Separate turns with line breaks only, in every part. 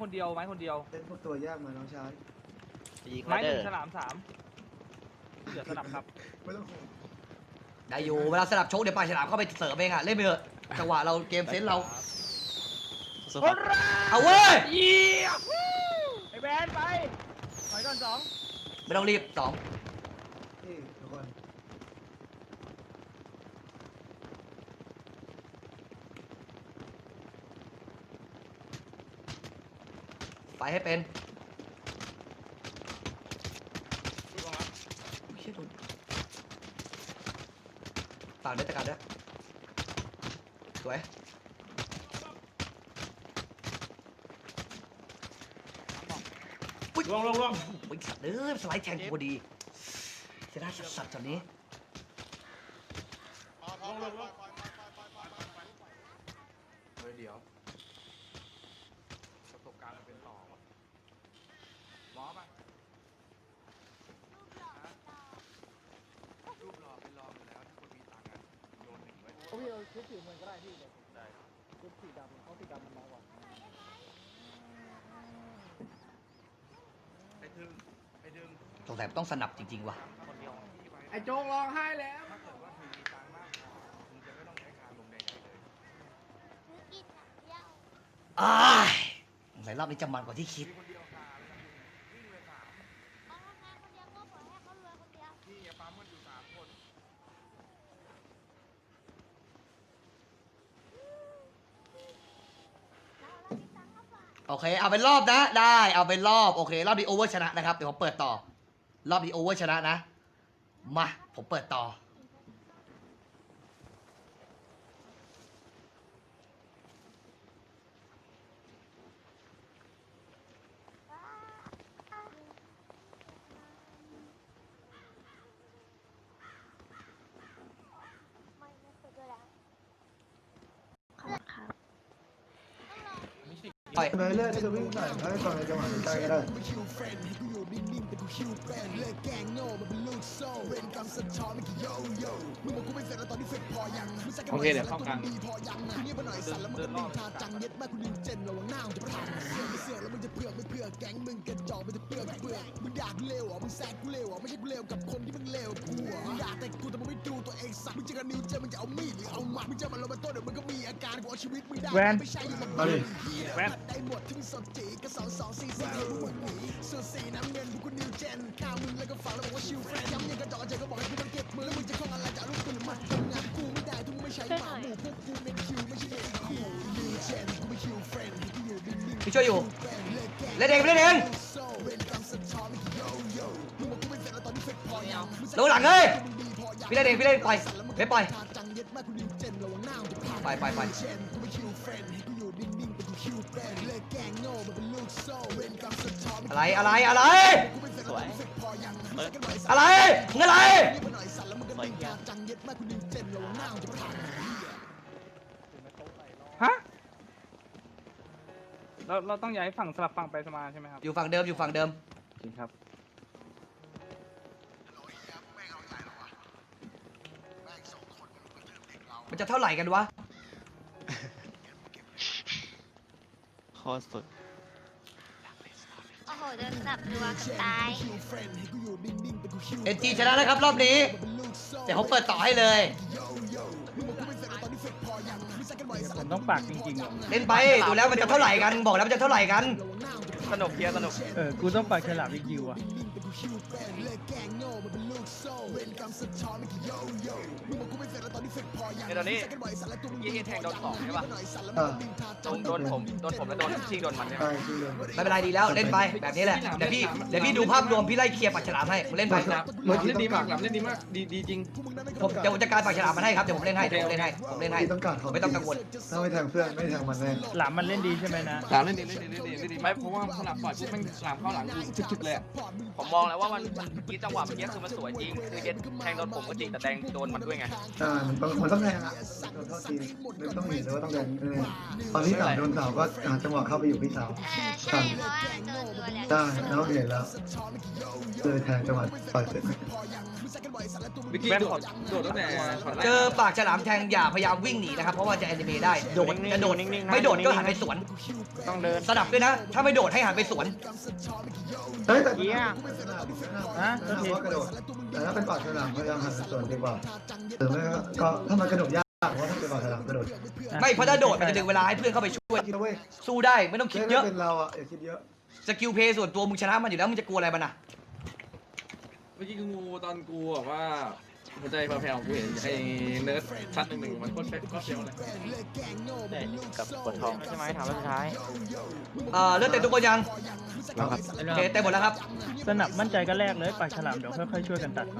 คนเดียวไม้คนเดียว
เล่นพวกตัวยากมาน้องชาย
ไม้หนึ่งฉลาม3เหลือสนับครับ
ไม่ต้อง
ได้อยู่เวลาสลับโชคเดี๋ยวปลาฉลามเข้าไปเสิร์ฟเองอ่ะเล่นไปเถอะจังหวะเราเกมเซนเราเอาเว้ย
ไอ้แบนไปถอยก่อน2
ไม่ต้องรีบ2
นี่ทุกคน
ไปให้เป็นต่างด้วยตะการด้วยสวย
ลง
วิ่งสัตว์สไลด์แทงพอดีเสียดายสัตว์ตอนนี้
เดี๋ยวประสบการณ์มันเป็นต่อหมอป่ะรูปรอเป็นรออยู่แล้วถ้าคนมีตังค์อะโยน1ไว้
พี่เอาชุดสีมันก็ได้พี่เลยได้ชุดสีดำเขาสีดำมันน้อยกว่า
ไอ้ดึง
สงสัยต้องสนับจริงๆว่ะ
ไอ้โจงร้องไห้แล้ว
ถ้าเกิดว่าคุณมีตังค์มากพอคุณจะไม่ต้องใช้การลงใดๆเลย
สงสัยรอบนี้จะมันกว่าที่คิด
มีคนเดียวขาเลยนะวิ่งเลย3พี่อย่าปั๊มมันอยู่3คน
โอเคเอาเป็นรอบนะได้เอาเป็นรอบโอเครอบนี้โอเวอร์ชนะนะครับเดี๋ยวผมเปิดต่อรอบนี้โอเวอร์ชนะนะมาผมเปิดต่อไป
ไปเรื่อยๆจะวิ่งใส่ให้ฟังในจังหวะใกล้ก็ได้
โอเคเดี๋ยวเข้ากลางเดินรอบ
แวน
มาดิ
แวน
พี่ช่วยอยู่เล่นเองเล่นเองลงหลังเลยพี่เล่นเองพี่เล่นปล่อยไม่ปล่อยไปอะไร
สวย
อะไรมึงอะไร
ฮะเราต้องย้ายฝั่งสลับฝั่งไปสมาใช่ไหมครับ
อยู่ฝั่งเดิม
จริงครับ
มันจะเท่าไหร่กันวะ
โคตรสุด
โอ้โหโดนจับตัวกับตาย
NG ชนะนะครับรอบนี้เดี๋ยวผมเปิดต่อให้เลย
ผมต้องปากจริงๆอ่ะ
เล่นไปดูแล้วมันจะเท่าไหร่กันบอกแล้วมันจะเท่าไหร่กัน
สนุกเพียสนุก
กูต้องปากฉลามอีกยิวอ่ะ
ในตอนนี้ยิงแทงโดน2ใช่ป่ะ โดนผมแล้วโดนชิงโดนมันใช่ไหม
ใช่ที่เลย
ไม่เป็นไรดีแล้วเล่นไปแบบนี้แหละเดี๋ยวพี่ดูภาพรวมพี่ไล่เคลียร์ปากฉลามให้มึงเล่นไป
เล่นดีมากเล่นดีมากดีจริง
ผมเดี๋ยวผมจัดการปากฉลามมันให้ครับเดี๋ยวผมเล่นให้ผมเล่นให้
ที่ต้องการเขา
ไม่ต้องกังวล
ถ้าไม่แทงเพื่อนไม่แทงมันแน่
หลามมันเล่นดีใช่ไหมนะ
หลังเล่นดีไม่เพราะว่าสลับปล่อยปุ๊บมันหลังเข้าหลังชึกๆเลยผมมองแล้วว่ามันกี้จังหวะเมื่อกี้คือมันสวยจริงคือเย็ดแทงโดนผมก็จริงแต่แดงโดนมันด้วยไง
มันต้องแทงอ่ะโดนเท่าทีมันต้องเห็นเลยว่าต้องแทงตอนที่สาวโดนสาวก็หาจังหวะเข้าไปอยู่พี่สาว
ใช่เพราะว่าโดนตัวแล้ว
ได้แล้วเห็นแล้วเลยแทงจังหวะปล่อยเสร็จ
วิกกี้โดดตั้งแต่ช็อตแรก
เจอปากฉลามแทงอย่าพยายามวิ่งหนีนะครับเพราะว่าจะแอนิเมะได้โดดจะโดดไม่โดดก็หันไปสวน
ต้องเดิน
สนับด้วยนะ ถ้าไม่โดดให้หันไปสวน
เฮ้ยแต่
เยี่ย
ว่ากระโดดแต่ถ้าเป็นปากฉลามพยายามหันส่วนดีกว่าหรือไม่ก็ถ้ามันกระโดดยากเพราะถ้าเป็นปากฉลามกระโดด
ไม่เพราะถ้าโดดมันจะดึงเวลาให้เพื่อนเข้าไปช่วย
คิดเว้ย
สู้ได้ไม่ต้องคิดเยอะ
เป็นเราอ่ะอย่าคิดเยอะ
สกิลเพย์ส่วนตัวมึงชนะมันอยู่แล้วมึงจะกลัวอะไรมันอ่ะ
เมื่อกี้งูตอนกูแบบว่าหัวใจแผ่วๆกูเห็นไอ้เนิร์ดชั้นหนึ่งมันโคตรเฟี้ยวเลย
กับปวดท้องใช่ไหมถามว่าสุดท้าย
เลือดเต็มทุกคนยัง
แล้วครับ
โอเคเต็มหมดแล้วครับ
สนับมั่นใจก็แรกเลยปากฉลามเดี๋ยวค่อยๆช่วยกันตัด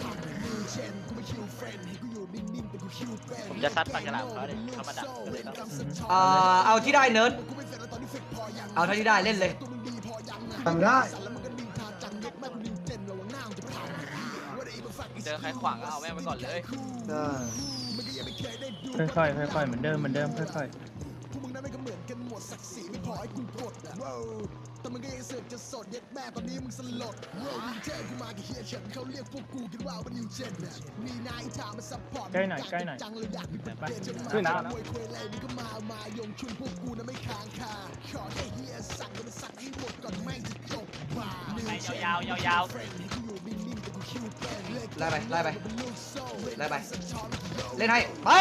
ผมจะซัดปากกระลาเขาเลยเขามาดักก็เลยต้อง
เอาที่ได้เนิร์ดเอาเท่าที่ได้เล่นเลย
ทำได้
เจอใครขวางก็เอาแม่งไปก่อนเลย
ได้
ค่อยๆค่อยๆเหมือนเดิมค่อย ใกล้หน่อยไปขึ้นแล้ว
ยาว
ไล่ไปเล่นให้ไปเล่นให้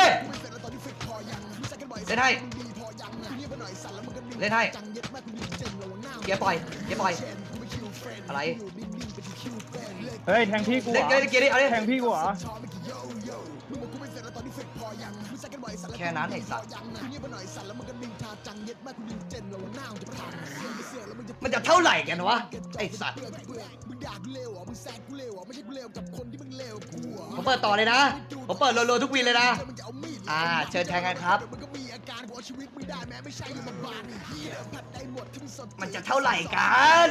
เกียร์ปล่อยอะไร
เฮ้ยแทงพี่กูเหร
เล่น
อ
เกียร์ดิเอาดิ
แทงพี่กูเหรอ
แค่นั้นไอ้สัตว์มันจะเท่าไหร่กันวะไอ้สัตว์ผมเปิดต่อเลยนะผมเปิดรัวๆทุกวีเลยนะเชิญแทงกันครับมันจะเท่าไหร่กัน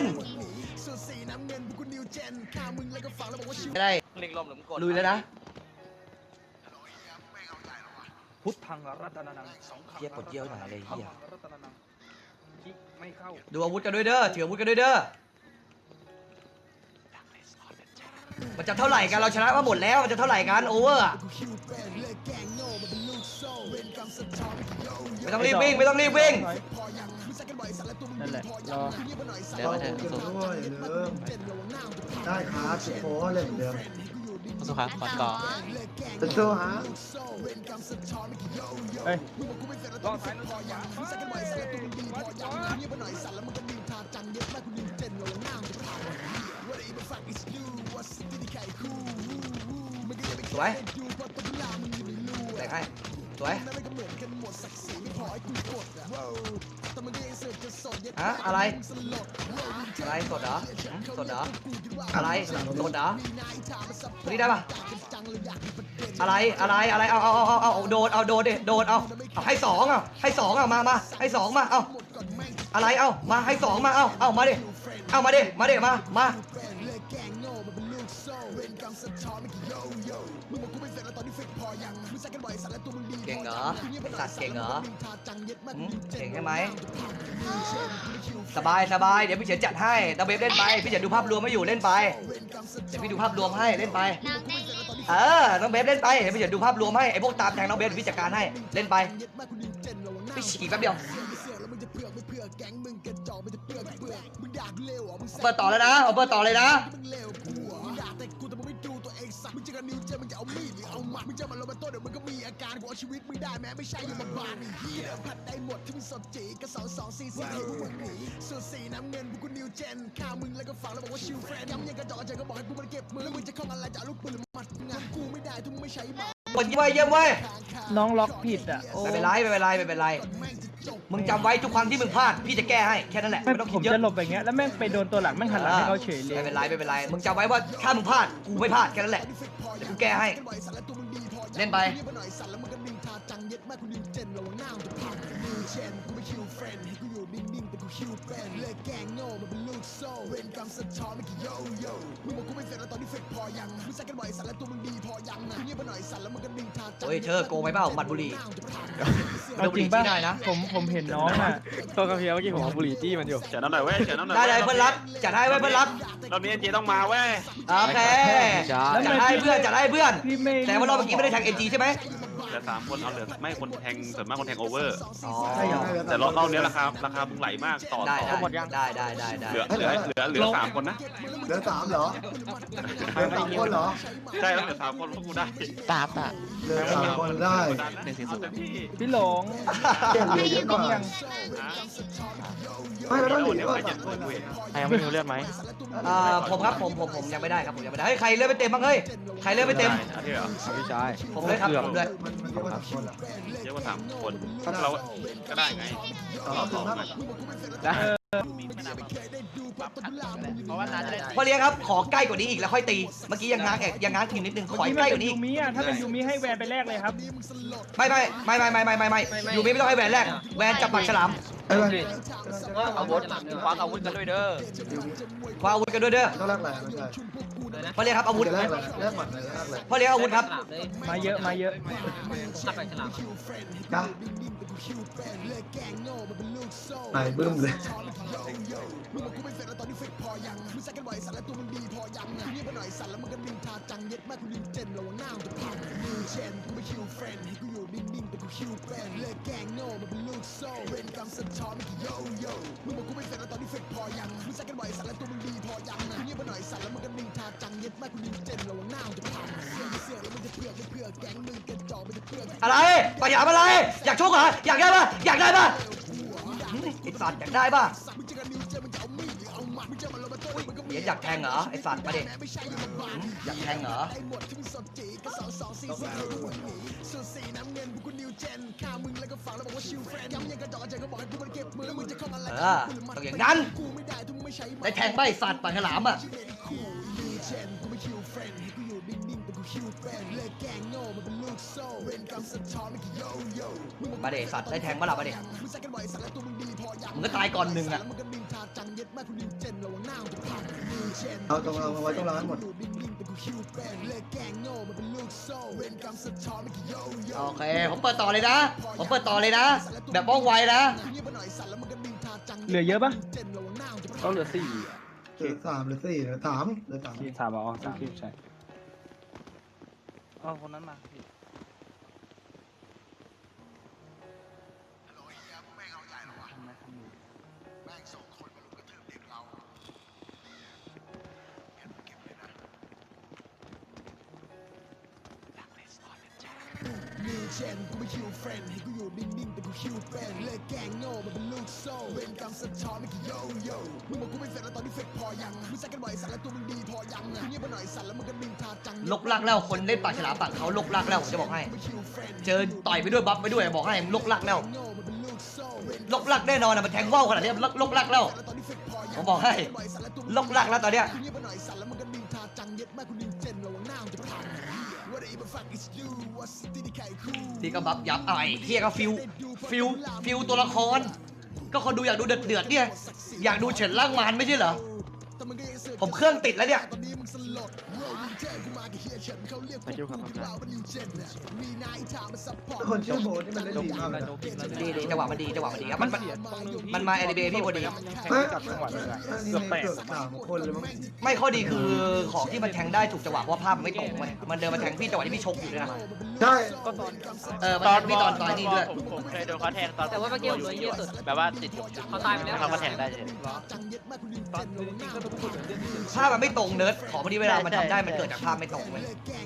ไม่ได้
เล็งลมหรือมึงกด
ลุยแล้วนะ
พุทธังรัตนานังสอง
เหี้ยปวดเยี่ยวหน่อยเลยเหี้ย
รัตนานังคิกไม่เข้า
ดูอาวุธกันด้วยเด้อถืออาวุธกันด้วยเด้อมันจะเท่าไหร่กันเราชนะมาหมดแล้วมันจะเท่าไหร่กันโอเวอร์ไม่ต้องรีบวิ่ง
นั่นแหละรอ
เดินมาเถอะ
กิน
สุด
ด้วยอย่าลืมได้ครับโค้เล่นเดิม
สุดครับก่อนก่อน
เป็นตัวฮะ
เฮ้ย
รอบท้ายรอบขวา
สวยแตกให้สวยอะไรสดเหรออะไรสดเหรอตัวนี้ได้ปะอะไรเอาโดดดิโดดเอาให้สองมาให้สองมาเอาอะไรเอามาให้สองมาเอามาดิมาเก่งเหรอสัตว์เก่งเหรอเก่งใช่ไหมสบายเดี๋ยวพี่เฉียนจัดให้ตะเบบเล่นไปพี่เฉียนดูภาพรวมไม่อยู่เล่นไปเดี๋ยวพี่ดูภาพรวมให้เล่นไป
น้องได้เล่น
น้องเบฟเล่นไปเดี๋ยวพี่เฉียนดูภาพรวมให้ไอ้พวกตามแทงน้องเบฟเดี๋ยวพี่จัดการให้เล่นไปพี่ฉีกแป๊บเดียวเปิดต่อแล้วนะเปิดต่อเลยนะคนเยี่ยมเว้ย
น้องล็อกผิดอ่ะโอ้
ไม่เป็นไรมึงจำไว้ทุกครั้งที่มึงพลาดพี่จะแก้ให้แค่นั้นแหละ
ไม่
ไม่ต้อง
ผ
คิด
ม
เยอะ
จะหลบอย่างเงี้ยแล้วแม่งไปโดนตัวหลังแม่งหันหลังให้เขาเฉยเลย
ไม่เป็นไรมึงจำไว้ว่าถ้ามึงพลาดกูไม่พลาดแค่นั้นแหละเดี๋ยวกูแก้ให้เล่นไปโอ้ยเธอโกงไปเปล่าหมัดบุหรี่
เอาจริงป่ะ
ได้นะ
ผมเห็นน้องอ่ะ
ตัวกระเพียวเมื่อกี้ผมเอาบุหรี่จี้มันอยู่
เฉินน้ำหน่อยเว้ยเฉินน้ำหน่อย
ได้เลยเพื่อนรักจัดให้ไว้เพื่อนรัก
รอบนี้เจต้องมาเว้ย
โอเคจัดให้เพื่อนจัดให้เพื่อน
พี่ไม่
แต่ว่ารอบเมื่อกี้ไม่ได้แทงเอ็นจีใช่ไหม
เหลือ3 คนเอาเหลือไม่คนแทงส่วนมากคนแทงโอเวอร์
อ๋อ
แต่รอบนี้ราคามึงไหลมากต่อ
ได้
ต่อ
ได้
เหลือ3 คนนะ
เหลือ3เหรอเหลือ3คนเหรอ
ใช่แล้วเหลือ3 คนพวกกูได้
ตาบอ่ะ
เหลือ3คนได้
พี่หลง
เหลือเยอะกว่าไม่เราต้องหนีก่อน3 คน
ใครยังไม่มีเลือดไหม
ผมครับผมยังไม่ได้ครับผมยังไม่ได้เฮ้ยใครเลือดไม่เต็มบ้างเฮ้ยใครเลือดไม่เต็ม
ที่เหรอ
พี่ชาย
ผมเลยครับผมเลย
มันเยอะกว่า3 คนอ่ะ
เยอะกว่า3 คนเราก็ได้ไง
เราถึงมาก
พ่อเลี้ยงครับขอใกล้กว่านี้อีกแล้วค่อยตีเมื่อกี้ยังง้างทีนิดนึงขอใกล้กว่านี้
ยูมิอ่ะถ้าเป็นยูมิให้แวนไปแรกเลยครับ
ไม่อยู่ไม่ต้องให้แหวนแรกแหวนจับปากฉลาม
ไอ้วัน
อาวุธคว้าอาวุธกันด้วยเด้อ
คว้าอาวุธกันด้วยเด้อ
ต้องแรกแหละไม่ใช่
พ่อเลี้ยงครับอาวุธ
แรกแหละแรกหมัดเลยแรกเลย
พ่อเลี้ยงอาวุธครับ
มาเยอะมาเยอะ
จ้าไหนบึ้มเลย
อะไรปะหยามอะไรอยากชกเหรออยากได้ป่ะอยากได้ป่ะไอ้สัตว์อยากได้ป่ะเดี๋ยวอยากแทงเหรอไอ้สัตว์มาดิอยากแทงเหรอต้องอย่างนั้นได้แทงไปสัตว์ปากฉลามอ่ะมาเดสัตว์ได้แทงมาหลับมาเดมึงก็ตายก่อน1อ่ะ
เอาตรงเราไว้ตรงร้านหมด
โอเคผมเปิดต่อเลยนะแบบว่องไวนะ
เหลือเยอะป่ะ
ก็เหลือ4
เหลือ3เหลือ4เหลือ3เหลือ3
ที่3อ๋อ3ใช่อ๋อคนนั้นมาพี่
ลกลักแล้วคนเล่นปากฉลามปากเขาลกลักแล้วผมจะบอกให้เจอต่อยไปด้วยบัฟไปด้วยบอกให้ลกลักแล้วลกลักแน่นอนนะมันแทงว่าวขนาดนี้ลกลักแล้วผมบอกให้ลกลักแล้วตอนเนี้ยที่ก็บัฟยับไอ้เฮียก็ฟิวตัวละครก็คนดูอยากดูเดือดเนี่ยอยากดูเฉินล่างมารไม่ใช่เหรอผมเครื่องติดแล้วเนี่ย
ไปยุ่งกับมัน
คนชื่อโบนี่มันเล่นดีมากเลย
ดีจังหวะมันดีครับมันมาแอนิเมะพี่พอดี
เฮ้ยเกือบ3 คนเลยมั้ง
ไม่ข้อดีคือของที่มันแทงได้ถูกจังหวะเพราะภาพมันไม่ตรงเว้ยมันเดินมาแทงพี่จังหวะที่พี่ชกอยู่ด้วยนะ
ใช่
มันแทงพี่ตอนนี้ด้วย
ผมเคยโดนเขาแทงตอนแต่ว่าเมื่อกี้ผมโดนเยอะสุดแบบว่าติดเขาตายไปแล้วเขาก็แทงได้เลย
ภาพมันไม่ตรงเนิร์ดของพอดีเวลามันทำได้มันเกิดจากภาพไม่ตรงเว้ย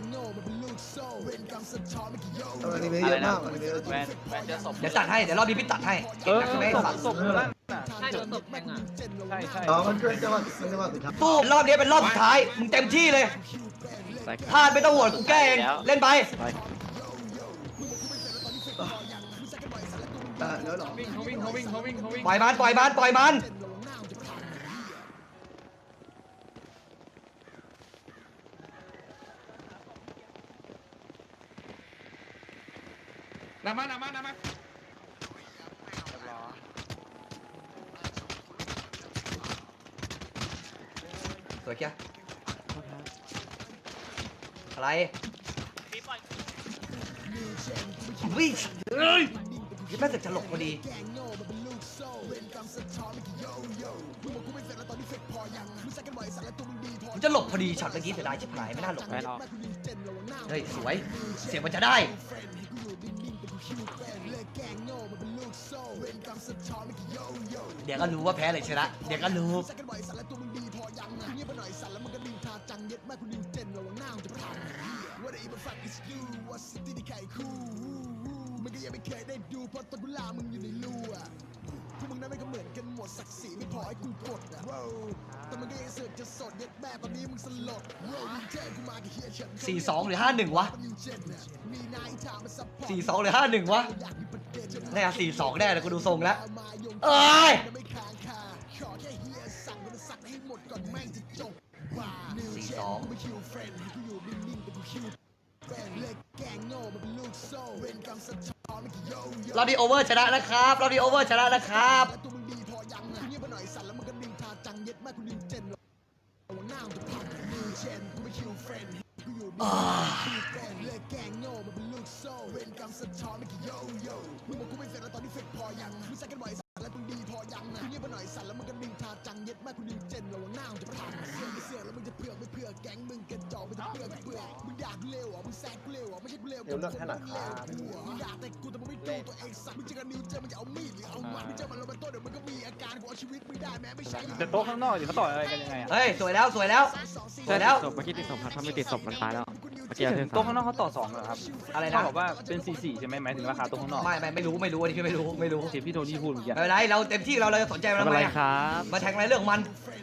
อันนี้เยอะมากอันนี้เยอะ
แวนเจอศพ
เดี๋ยวตัดให้เดี๋ยวรอบนี้พี่ตัดให้เก่งนักใช่ไหมสัตว์
ศพอยู่นั่นน่ะใช่โดนศพแทงอ่ะใช่
อ๋อมันเป็นจังหวะสุดท้าย
ตู้รอบนี้เป็นรอบสุดท้ายมึงเต็มที่เลยพลาดไม่ต้องห่วงกูแก้เองเล่นไป
เดี๋ยวหรอ
ปล่อยมัน
น้ำมา
วยเกี้ยอะไรวิ่งเฮ้ยยังไม่เสร็จจะหลบพอดีผมจะหลบพอดีช็อตเมื่อกี้เสียดายชิบหายไม่น่าหลบเฮ้ยสวยเสียงมันจะได้เดี๋ยวก็รู้ว่าแพ้เลยชนะเดี๋ยวก็รู้42หรือ51วะ42หรือ51วะแน่42แน่แต่กูดูทรงแล้วเอ้ย42เราดีโอเวอร์ชนะนะครับเราดีโอเวอร์ชนะนะครับ
เดี๋ยวเลือกให้หน่อยครับ
แต่โต๊ะข้างนอกเขาต่อยอะไรกันยังไงอ่ะ
เฮ้ยสวยแล้วสวยแล้วสวยแล้ว
เมื่อกี้ติดศพครับถ้าไม่ติดศพมันตายแล้ว
โต๊ะข้างนอกเขาต่อ2เหรอครับ
อะไร
เขา
นะ
บอกว่าเป็น4-4ใช่ไหมหมายถึงราคาโต๊ะข้างนอก
ไม่รู้อันนี้พี่ไม่รู้
เสียพี่โทนี่พูดเมื่อกี้
ไม่เป็นไรเราเต็มที่เราจะสนใจมันทำไมอะ
ครับ
มาแทงอะไรเรื่องของมัน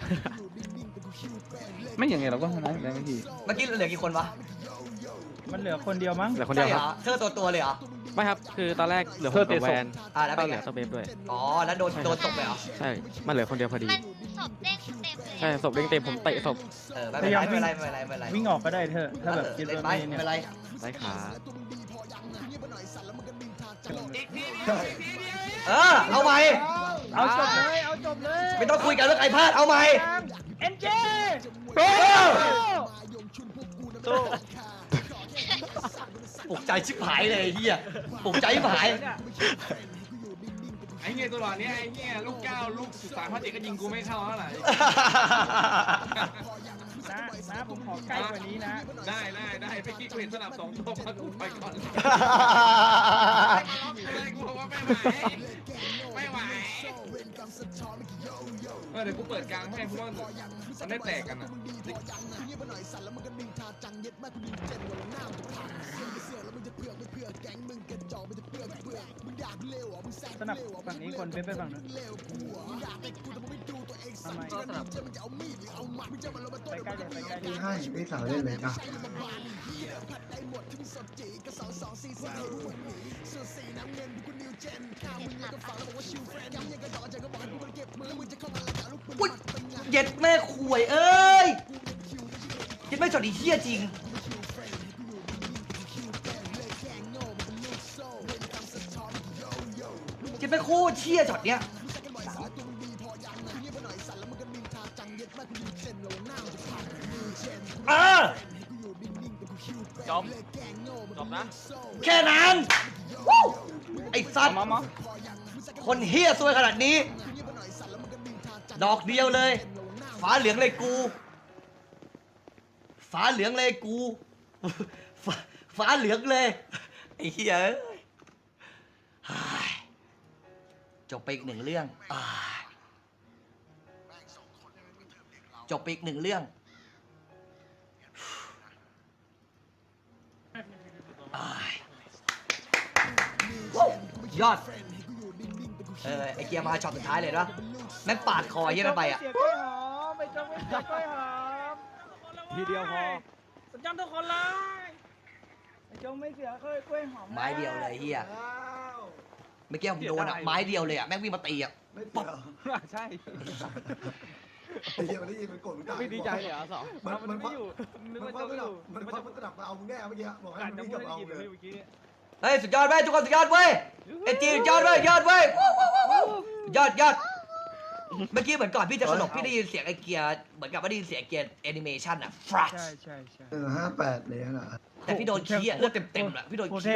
ไม่อย่างไงเราก็ชนะอยู่แล้วพี่
เมื่อกี้เหลือกี่คนวะ
มันเหลือคนเดียวมั้งเหลือคนเดียว
ใช่
ค
เหร
รับ
อเธอตัวเลยเหรอ
ไม่ครับคือตอนแรกเหลือคนกับแวน
แล้ว
ก็
เป็น
เห
ไง
ลือตัวเบฟด้วย
อ๋อแล้วโดนตกเลยเหรอ
ใช่มันเหลือคนเดียวพอดี
มันศพเด้งเต็มเลย
ใช่ศพเด้งเต็มผมเตะศพ
ไม่เป็นไรไม่เป็นไร
วิ่งออกก็ได้เธอถ้าแบบคิด
เล่น
ว่า
ไปไม่เป็นไร
ได้ขา
เอาใหม่
เอาจบเลยเอาจบเลย
ไม่ต้องคุยกันเรื่องใครพลาดเอาใหม่
เอ็นเจ
ปลุกใจชิบหายเลยไอ้เฮียปลุกใจชิบหาย
ไอ้เงี้ยตัวหล่อเนี้ยไอ้เงี้ยลูก9ลูก13-7ก็ยิงกูไม่เข้าเท่าไหร่
นะผมขอใกล้กว่านี้นะ
ได้ไปกี้กูเห็นสนับ2ตัวมากูไปก่อนเลยกูบอกว่าไม่ไหวเดี๋ยวกูเปิดกลางให้เพราะว่ามันได้แตกกันอ่ะ
สนับฝั่งนี้คนเป็นฝั่งนู้นทำไมไปใกล้เลยไปใกล้เลย
พี่ให้พี่สาวเล่นเลยอ่ะ
อุ๊ยเย็ดแม่ขวยเอ้ยเย็ดแม่จอดอีเหี้ยจริงเย็ดแม่โคตรเชี่ยจอดเนี้ย
จบนะ
แค่นั้นวู้ไอ้สัตว์
มา
คนเฮี้ยซวยขนาดนี้ ดอกเดียวเลยฟ้าเหลืองเลยกูฟ้าเหลืองเลยกูฟ้าเหลืองเลยไอ้เหี้ยเอ้ยจบไปอีก1 เรื่องจบไปอีก1 เรื่องยอดไอเกียร์มาช็อตสุดท้ายเลยนะแม่งปาดคอเยี่ยนั่นไปอ่ะ
เสียกล้วยหอมไม่ต้องไม่เสียกล้วยหอม
ทีเดียวพอ
สัญญาณทุกคนเลยไม่จงไม่เสียกล้วยหอม
ไม้เดียวเลยเฮียเมื่อกี้ผมโดนอ่ะไม้เดียวเลยอ่ะแม่งวิ่งมาตีอ่ะ
ไม่เสีย
ใช่
ไอ้เหี้ยมันได้ยินมันกดมึงตาย
ไม่ดีใจเลยเหรอสอง
มัน
ไม่อยู่นึก
มัน
ว่า
ควั
จะ
ก
ไม่
มัน
อยู่
ควักมันกระดับมาเอามึงแน่เมื่อกี้บอกให้
การ
มัน
จะ
วิ่ง
พู
ก
ด
ลับ
ได้
มาเอา
ยิน
เลย
เมื่อกี้
เฮ้ยสุดยอดเว้ยทุกคนสุดยอดเว้ยไอจีสุดยอดเว้ยยอดเว้ยวู้ยอดเมื่อกี้เหมือนก่อนพี่จะสลบพี่ได้ยินเสียงไอ้เกียร์เหมือนกับว่าได้ยินเสียงเกียร์แอนิเมชันอะฟรัช
ใช่ใช่ใช่
58เลยนะ
แต่พี่โดนขี้อะเลือดเต็มๆอะพี่โดนขี้